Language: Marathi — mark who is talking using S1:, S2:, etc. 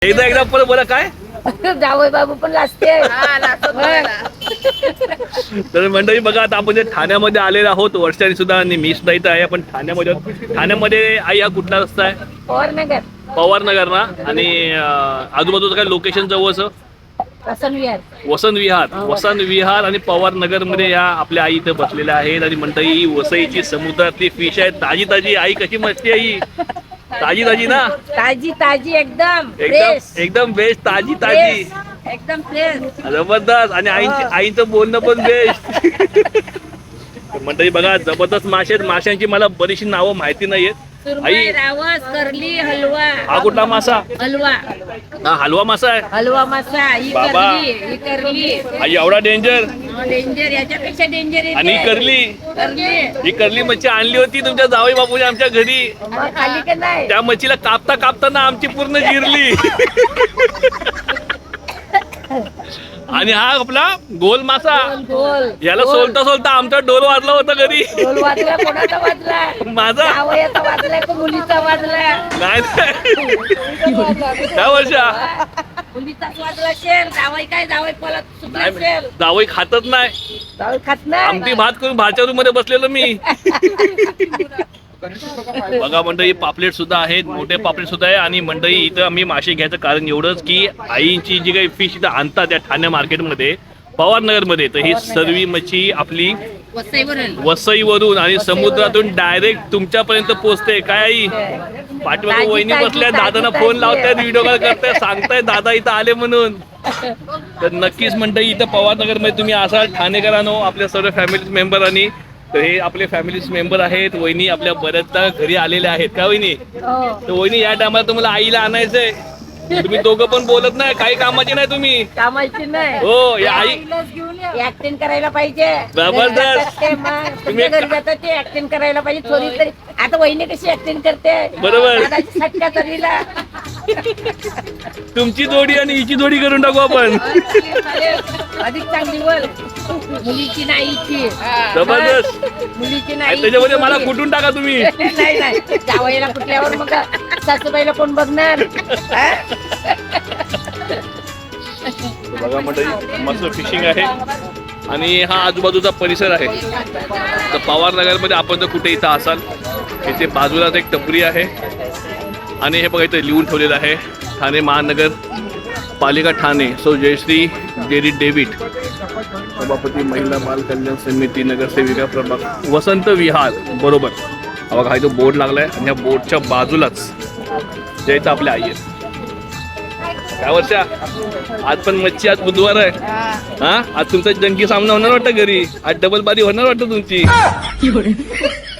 S1: एकदा परत बोला काय
S2: जावई बाबू पण लाजते.
S1: तर मंडळी बघा, आता आपण जे ठाण्यामध्ये आलेलो आहोत वर्षाने सुद्धा, आणि मी सुद्धा इथं आहे. आपण ठाण्यामध्ये आई हा कुठला रस्ता आहे?
S2: पवारनगर.
S1: पवारनगर ना. आणि आजूबाजूचं काय लोकेशन जवळचं? वसंत विहार आणि पवारनगर मध्ये या आपल्या आई इथं बसलेल्या आहेत. आणि मंडळी ही वसईची समुद्रातली फिश आहे, ताजी ताजी. आई कशी मस्ती आहे, ताजी ताजी ना?
S2: ताजी एकदम
S1: एकदम बेस्ट, ताजी ताजी
S2: एकदम फ्रेश,
S1: जबरदस्त. आणि आईचं बोलणं पण बेस्ट. मंडळी बघा, जबरदस्त मासे आहेत. माशांची मला बरीचशी नावं माहिती नाहीयेत. आई,
S2: रावस, करली, हलवा.
S1: हा कुठला मासा?
S2: हलवा.
S1: हा हलवा मासा आहे.
S2: हलवा मासा. ही
S1: बाबा.
S2: करली.
S1: आई एवढा डेंजर.
S2: डेंजर, याच्यापेक्षा डेंजर आहे.
S1: आणि ही करली मच्छी आणली होती तुमच्या जावई बापूने आमच्या घरी.
S2: खाली का नाही?
S1: त्या मच्छीला कापता कापताना आमची पूर्ण जिरली. आणि हा आपला गोल मासा. याला सोलता सोलता आमचा डोल वाजला होता घरी.
S2: वाजला, कोणाचा वाजला?
S1: माझा
S2: जावयाचा वाजला का मुलीचा वाजला?
S1: नाही त्या वर्षा
S2: मुलीचाच वाजला असेल. जावई काय, जावई पळत सुटला असेल.
S1: जावई खातच नाही.
S2: जावई खात नाही.
S1: आमटी भात करून भाच्या रूम मध्ये बसलेलो मी. बघा मंडळी, पापलेट सुद्धा आहेत, मोठे पापलेट सुद्धा आहे. आणि मंडळी इथं आम्ही मासे घ्यायचं कारण एवढंच की आईची जी काही फिश इथं आणतात त्या ठाणे मार्केटमध्ये, पवारनगर मध्ये, तर ही सर्व मच्छी आपली वसईवरून आणि समुद्रातून डायरेक्ट तुमच्यापर्यंत पोहोचते. काय आई? पाठीमागे वहिनी बसल्या, दादांना फोन लावतायत, व्हिडिओ कॉल करतायत, सांगतायत दादा इथं आले म्हणून. तर नक्कीच मंडळी इथं पवारनगर मध्ये तुम्ही असाल ठाणेकरांनो, आपल्या सर्व फॅमिली मेंबरांनी. तर हे आपले फॅमिली मेंबर आहेत. वहिनी आपल्या बऱ्याचदा घरी आलेल्या आहेत का वहिनी? तर वहिनी, या टायमाला तुम्हाला आईला आणायचंय. तुम्ही दोघं पण बोलत नाही, काही कामाची नाही तुम्ही.
S2: कामाची नाही.
S1: हो, या आई
S2: ऍक्टिंग करायला पाहिजे.
S1: जबरदस्त.
S2: तुम्ही घरी जातात ते ऍक्टिंग करायला पाहिजे थोडी तरी. आता वहिनी कशी ऍक्टिंग करते
S1: बरोबर.
S2: दादाची सटका तरीला.
S1: तुमची जोडी आणि हिची जोडी करून टाकू आपण.
S2: अधिक चांगली बोल. मुलीची नाही, हिची.
S1: जबरदस्त.
S2: मुलीची नाही,
S1: त्याच्यामध्ये मला कुठून टाका तुम्ही.
S2: नाही जावयाला कुठल्यावर मग सासूबाईला कोण बघणार?
S1: बघा मंडळी, मस्त फिशिंग आहे. आणि हा आजूबाजूचा परिसर आहे. तर पवारनगर मध्ये आपण जर कुठे इथं असाल, इथे बाजूलाच एक टपरी आहे. आणि हे बघा इथे लिहून ठेवलेलं आहे, ठाणे महानगर पालिका ठाणे, सौ जयश्री डेरी डेव्हिड, सभापती महिला बाल कल्याण समिती, नगरसेविका प्रभाग वसंत विहार. बरोबर. बघा हा जो बोर्ड लागलाय, आणि या बोर्डच्या बाजूलाच जे इथं आपल्या आई आहेत. काय वर्षा, आज पण मच्छी, आज बुधवार आहे. हा, आज तुमचा जंगी सामना होणार वाटतं घरी. आज डबल बारी होणार वाटतं तुमची.